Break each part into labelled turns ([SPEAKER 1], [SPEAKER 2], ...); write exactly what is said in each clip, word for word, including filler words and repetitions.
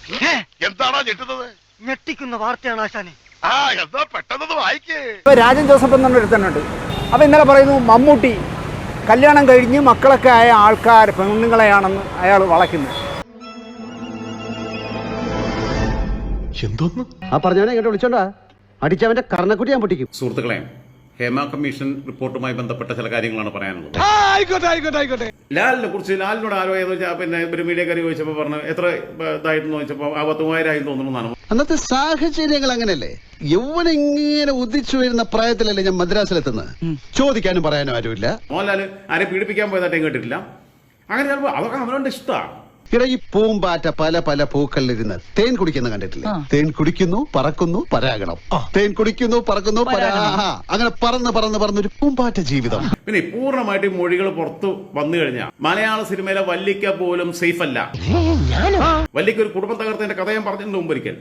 [SPEAKER 1] എന്താണോ ഞെട്ടുന്നത്?
[SPEAKER 2] ഞെട്ടിക്കുന്ന വാർത്തയാണ് ആശാനെ.
[SPEAKER 1] ആ എന്താ പെട്ടെന്ന് വായിക്കേ.
[SPEAKER 3] ഇപ്പൊ രാജൻ ജോസഫ് എന്നൊരു ഒരുത്തനുണ്ട്. അപ്പൊ ഇന്നലെ പറയുന്നു മമ്മൂട്ടി കല്യാണം കഴിഞ്ഞ് മക്കളൊക്കെ ആയ ആൾക്കാർ പെണ്ണുങ്ങളെയാണെന്ന് അയാൾ വളയ്ക്കുന്നത്.
[SPEAKER 4] എന്തോന്ന്
[SPEAKER 5] ആ പറഞ്ഞവനെ ഇങ്ങോട്ട് വിളിച്ചോണ്ടാ അടിച്ചവന്റെ കർണക്കുട്ടി ഞാൻ പൊട്ടിക്കും.
[SPEAKER 6] സുഹൃത്തുക്കളെ, ഹേമ കമ്മീഷൻ റിപ്പോർട്ടുമായി ബന്ധപ്പെട്ട ചില കാര്യങ്ങളാണ് പറയാനുള്ളത്.
[SPEAKER 4] ആയിക്കോട്ടെ ആയിക്കോട്ടെ ആയിക്കോട്ടെ
[SPEAKER 6] ലാലിനെ കുറിച്ച് ലാലിനോട് ആരോ ഏതോ പിന്നെ ഒരു മീഡിയ കറി ചോദിച്ചപ്പോൾ പറഞ്ഞു എത്ര ഇതായിരുന്നു ചോദിച്ചപ്പോൾ ആ പത്ത് മൂവായിരം ആയി തോന്നുന്നു.
[SPEAKER 5] അന്നത്തെ സാഹചര്യങ്ങൾ അങ്ങനെയല്ലേ? യൗവനം ഇങ്ങനെ ഉദിച്ചു വരുന്ന പ്രായത്തിലല്ലേ ഞാൻ മദ്രാസിലെത്തുന്നത്. ചോദിക്കാനും പറയാനും ആരുമില്ല.
[SPEAKER 6] മോഹൻലാൽ ആരെ പീഡിപ്പിക്കാൻ പോയതായിട്ടും കേട്ടിട്ടില്ല. അങ്ങനെ ചിലപ്പോൾ അതൊക്കെ അവനോട് ഇഷ്ടമാണ്.
[SPEAKER 5] ഇവിടെ ഈ പൂമ്പാറ്റ പല പല പൂക്കളിലിരുന്ന് തേൻ കുടിക്കുന്ന കണ്ടിട്ടില്ലേ? തേൻ കുടിക്കുന്നു, പറക്കുന്നു, പരാഗണം. തേൻ കുടിക്കുന്നു, പറക്കുന്നു, പരാ അങ്ങനെ പറന്ന് പറന്ന് പറന്നൊരു പൂമ്പാറ്റ ജീവിതം.
[SPEAKER 6] പിന്നെ പൂർണ്ണമായിട്ട് മൊഴികൾ പുറത്തു വന്നു കഴിഞ്ഞാൽ മലയാള സിനിമയിലെ വല്ലിക്ക പോലും സേഫ് അല്ല. വല്ലിക്ക ഒരു കുടുംബം തകർത്തതിന്റെ കഥ ഞാൻ പറഞ്ഞിട്ടുണ്ട് മുമ്പ് ഒരിക്കൽ.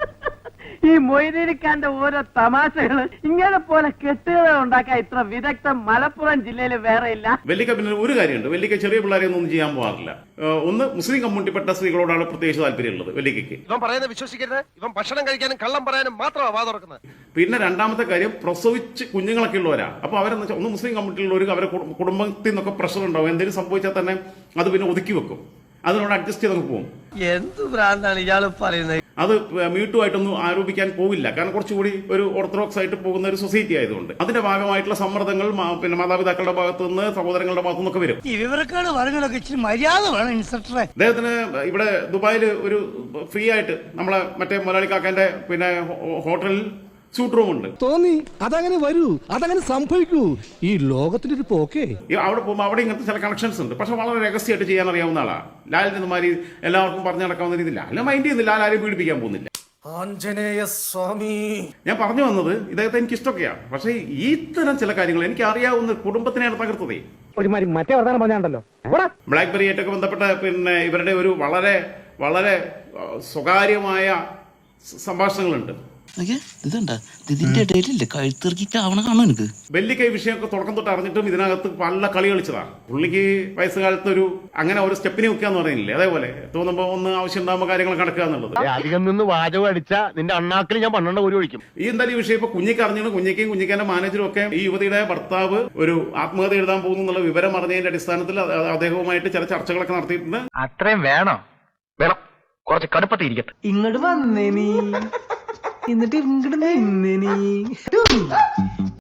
[SPEAKER 2] ഈ മൊയ്തീനിക്കാന്റെ ഓരോ തമാശകള് ഇങ്ങനെ പോലെ കെട്ടുകഥ ഉണ്ടാക്കാൻ ഇത്ര വിദഗ്ധം മലപ്പുറം ജില്ലയിൽ വേറെ ഇല്ല.
[SPEAKER 6] വെല്ലിക്ക പിന്നെ ഒരു കാര്യമുണ്ട്, വെല്ലിക്ക ചെറിയ പിള്ളേരെ ഒന്നും ചെയ്യാൻ പോകാറില്ല. ഒന്ന് മുസ്ലിം കമ്മ്യൂണിറ്റിപ്പെട്ട സ്ത്രീകളോടാണ് പ്രത്യേകിച്ച് താല്പര്യമുള്ളത് വെല്ലിക്കയ്ക്ക്.
[SPEAKER 4] ഇവൻ പറയുന്നത് വിശ്വസിക്കരുത്. ഇവൻ ഭക്ഷണം കഴിക്കാനും കള്ളം പറയാനും മാത്രമാണ് വാ തുറക്കുന്നത്.
[SPEAKER 6] പിന്നെ രണ്ടാമത്തെ കാര്യം, പ്രസവിച്ച് കുഞ്ഞുങ്ങളൊക്കെ ഉള്ളവരാ. അപ്പൊ അവരെന്ന് വെച്ചാൽ ഒന്ന് മുസ്ലിം കമ്മ്യൂണിറ്റിയിലുള്ളവർക്ക് അവരെ കുടുംബത്തിൽ നിന്നൊക്കെ പ്രഷർ ഉണ്ടാവും. എന്തെങ്കിലും സംഭവിച്ചാൽ തന്നെ അത് പിന്നെ ഒതുക്കി വെക്കും. അതിനോട് അഡ്ജസ്റ്റ് ചെയ്ത് പോകും.
[SPEAKER 2] എന്ത് ഭ്രാന്താണ് ഇയാള് പറയുന്നത്?
[SPEAKER 6] അത് മ്യൂട്ടുമായിട്ടൊന്നും ആരോപിക്കാൻ പോവില്ല. കാരണം കുറച്ചുകൂടി ഒരു ഓർത്തഡോക്സ് ആയിട്ട് പോകുന്ന ഒരു സൊസൈറ്റി ആയതുകൊണ്ട് അതിന്റെ ഭാഗമായിട്ടുള്ള സമ്മർദ്ദങ്ങൾ പിന്നെ മാതാപിതാക്കളുടെ ഭാഗത്തു നിന്ന് സഹോദരങ്ങളുടെ ഭാഗത്തു നിന്നൊക്കെ വരും.
[SPEAKER 2] ഈ വിവരക്കാട് പറഞ്ഞതൊക്കെ ഇച്ചിരി മര്യാദ വേണം ഇൻസ്പെക്ടറെ.
[SPEAKER 6] അദ്ദേഹത്തിന് ഇവിടെ ദുബായിൽ ഒരു ഫ്രീ ആയിട്ട് നമ്മളെ മറ്റേ മുതലാളി കാക്കാന്റെ പിന്നെ ഹോട്ടലിൽ സ്യൂട്ട് റൂം ഉണ്ട്.
[SPEAKER 7] തോന്നി അതങ്ങനെ വരൂ, അതങ്ങനെ സംഭവിക്കൂ. ഈ ലോകത്തിന്റെ ഒരു പോക്കേ.
[SPEAKER 6] അവിടെ പോകുമ്പോൾ അവിടെ ഇങ്ങനത്തെ ചില കണക്ഷൻസ് ഉണ്ട്. പക്ഷെ വളരെ രഹസ്യമായിട്ട് ചെയ്യാൻ അറിയാവുന്ന ആളാണ് ലാലിന്റെ മാതിരി എല്ലാവർക്കും പറഞ്ഞു നടക്കാവുന്ന രീതിയില്ല. അല്ല മൈൻഡ് ചെയ്യുന്നില്ല, ലാൽ ആരെയും പീഡിപ്പിക്കാൻ പോകുന്നില്ല.
[SPEAKER 4] ആഞ്ജനേയ സ്വാമി,
[SPEAKER 6] ഞാൻ പറഞ്ഞു വന്നത് ഇദ്ദേഹത്തെ എനിക്ക് ഇഷ്ടമൊക്കെയാണ്. പക്ഷേ ഈ തരം ചില കാര്യങ്ങൾ എനിക്ക് അറിയാവുന്ന കുടുംബത്തിനെയാണ് തകർത്തതേ.
[SPEAKER 3] ഒരുമാതിരി മറ്റേ വർത്താനം പറഞ്ഞാണ്ടല്ലോ.
[SPEAKER 6] ബ്ലാക്ക്ബെറി ആയിട്ടൊക്കെ ബന്ധപ്പെട്ട പിന്നെ ഇവരുടെ ഒരു വളരെ വളരെ സ്വകാര്യമായ സംഭാഷണങ്ങളുണ്ട്.
[SPEAKER 8] ഇതുണ്ടാ ഇതിന്റെ ഇടയിലില്ലേ കഴുത്തിറക്കിക്കാവണ കാണും എനിക്ക്.
[SPEAKER 6] വെല്ലിക്കൈ വിഷയമൊക്കെ തുടക്കം തൊട്ട് അറിഞ്ഞിട്ടും ഇതിനകത്ത് പല കളി കളിച്ചതാണ്. പുള്ളിക്ക് വയസ്സുകാലത്ത് ഒരു അങ്ങനെ ഒരു സ്റ്റെപ്പിനെ വെക്കാന്ന് പറയുന്നില്ലേ, അതേപോലെ തോന്നുമ്പോ ഒന്ന് ആവശ്യം ഉണ്ടാകുമ്പോൾ കാര്യങ്ങൾ കടക്കുക എന്നുള്ളത്.
[SPEAKER 4] അധികം നിന്ന് വാചകം അടിച്ച നിന്റെ അണ്ണാക്കിൽ ഞാൻ പന്ത്രണ്ട് ഒരു ഒഴിക്കും.
[SPEAKER 6] ഈ എന്തായാലും ഈ വിഷയം ഇപ്പൊ കുഞ്ഞിക്ക് അറിഞ്ഞു. കുഞ്ഞിക്കും കുഞ്ഞിക്കാന്റെ മാനേജറും ഒക്കെ ഈ യുവതിയുടെ ഭർത്താവ് ഒരു ആത്മഹത്യ എഴുതാൻ പോകുന്നു എന്നുള്ള വിവരം അറിഞ്ഞതിന്റെ അടിസ്ഥാനത്തിൽ അദ്ദേഹവുമായിട്ട് ചില ചർച്ചകളൊക്കെ നടത്തിയിട്ടുണ്ട്.
[SPEAKER 4] അത്രയും വേണോ? വേണം, കുറച്ച് കടുപ്പത്തിരിക്കട്ടെ.
[SPEAKER 2] ഇങ്ങോട്ട് വന്നേ നീ, എന്നിട്ട് ഇങ്ങോട്ട് നിന്നേ നീ.